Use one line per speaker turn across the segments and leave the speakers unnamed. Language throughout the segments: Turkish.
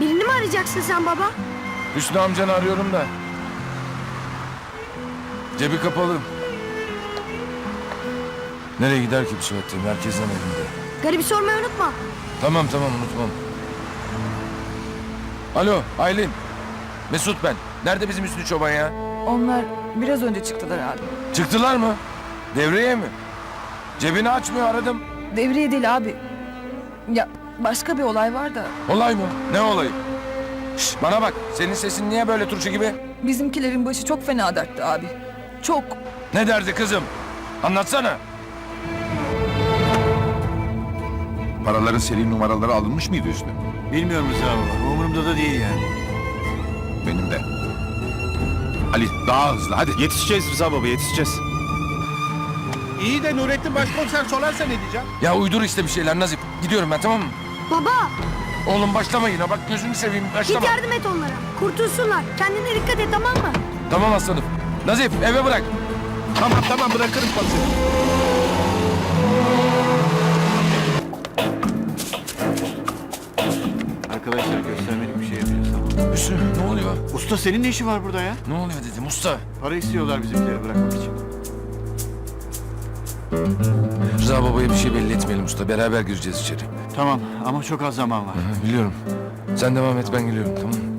Birini mi arayacaksın sen baba?
Hüsnü amcanı arıyorum da. Cebi kapalı. Nereye gider ki bu saatte? Merkezden evinde.
Garibi sormayı unutma.
Tamam unutmam. Alo Aylin. Mesut ben. Nerede bizim Hüsnü Çoban ya?
Onlar biraz önce çıktılar abi.
Çıktılar mı? Devreye mi? Cebini açmıyor, aradım.
Devriye değil abi. Ya başka bir olay var da
Olay mı? Ne olayı? Şş, bana bak. Senin sesin niye böyle turşu gibi?
bizimkilerin başı çok fena dertte abi. Çok.
Ne derdi kızım? Anlatsana.
Paraların seri numaraları alınmış mıydı Hüsnü?
Bilmiyorum Rıza baba. Umurumda da değil yani.
Benim de. Ali daha hızlı hadi.
Yetişeceğiz Rıza baba, yetişeceğiz.
İyi de Nurettin Başkomiser sorarsa ne diyeceğim?
Ya uydur işte bir şeyler Nazif. Gidiyorum ben, tamam mı?
Baba
Oğlum başlama yine. Bak gözünü seveyim, başlama.
git yardım et onlara. Kurtulsunlar. Kendine dikkat et, tamam mı?
Tamam aslanım. Nazif eve bırak.
Tamam bırakırım komiserim.
Arkadaşlar göstermelik bir şey yapacağız, tamam.
Hüsnü ne oluyor?
Usta senin ne işi var burada ya?
Ne oluyor dedim usta.
Para istiyorlar bizimkileri bırakmak için.
Rıza babaya bir şey belli etmeyelim usta. Beraber gireceğiz içeri.
Tamam ama çok az zaman var.
Hı, biliyorum. Sen devam et, ben geliyorum, tamam mı?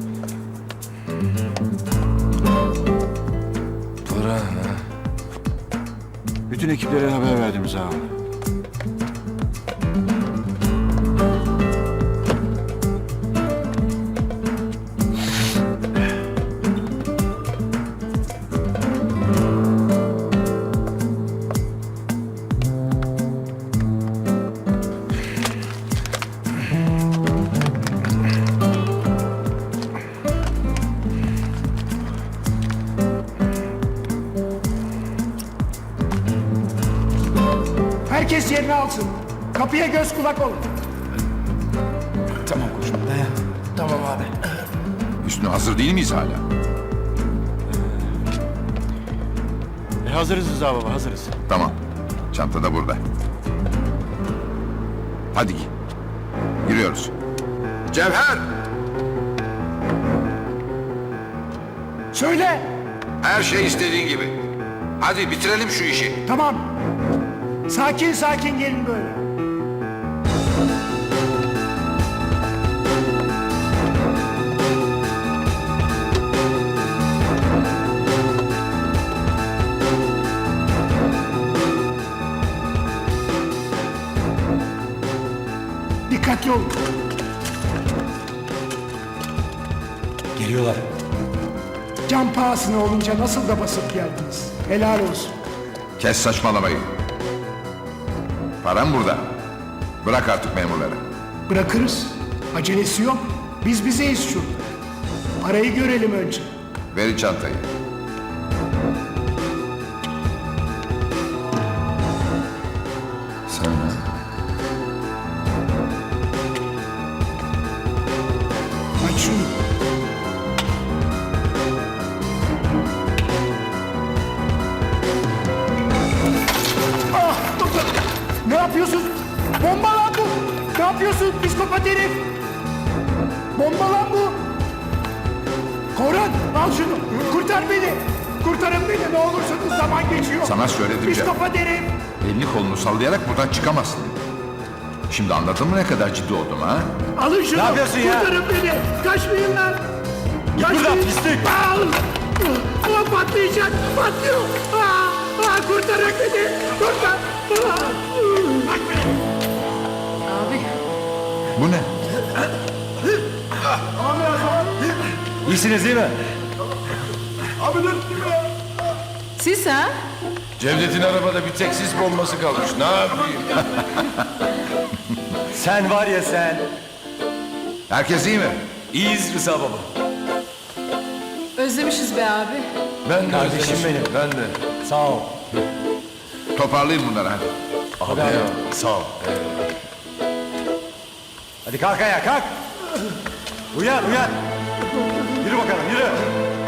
Para ha.
Bütün ekiplere haber verdim Rıza baba.
Herkes yerini alsın. Kapıya göz kulak olun.
Tamam koçum.
Tamam abi.
Hüsnü hazır değil miyiz hala?
Hazırız Rıza baba, hazırız.
Tamam. Çanta da burada. Hadi giriyoruz. Cevher!
Söyle.
Her şey istediğin gibi. Hadi bitirelim şu işi.
Tamam. Sakin sakin gelin böyle. Dikkatli olun.
Geliyorlar.
Can pahasına olunca nasıl da basıp geldiniz. Helal olsun.
Kes saçmalamayı. Param burada. Bırak artık memurları.
Bırakırız. Acelesi yok. Biz bizeyiz şurada. Parayı görelim önce.
Verin çantayı.
Sen ha?
Aç şunu. Ah! Ne yapıyorsun? Bomba lan bu! Ne yapıyorsun psikopat herif? Bomba lan bu! Korhan al şunu! Kurtar beni! Kurtarın beni ne olursunuz zaman geçiyor!
Sana söyledim Cem.
Psikopat herif!
Elini kolunu sallayarak buradan çıkamazsın. Şimdi anladın mı ne kadar ciddi oldum ha?
Alın şunu!
Ne yapıyorsun ya?
Kurtarın beni! Kaçmayın lan!
Git buradan pislik!
Al! Ulan patlayacak! Patlıyor! Kurtarın beni! Kurtar!
Bu ne?
İyisiniz değil mi?
Siz ha?
Cevdet'in arabada bir tek sis bombası kalmış. Ne yapayım?
Sen var ya sen.
Herkes iyi mi?
İyiyiz Rıza baba.
Özlemişiz be abi.
Ben de
Kardeşim
özlemişim,
benim.
Ben de.
Sağ ol.
Toparlayın bunları hadi.
Abi sağ ol. Hadi kalk ayağa kalk. Uyan. Yürü bakalım yürü.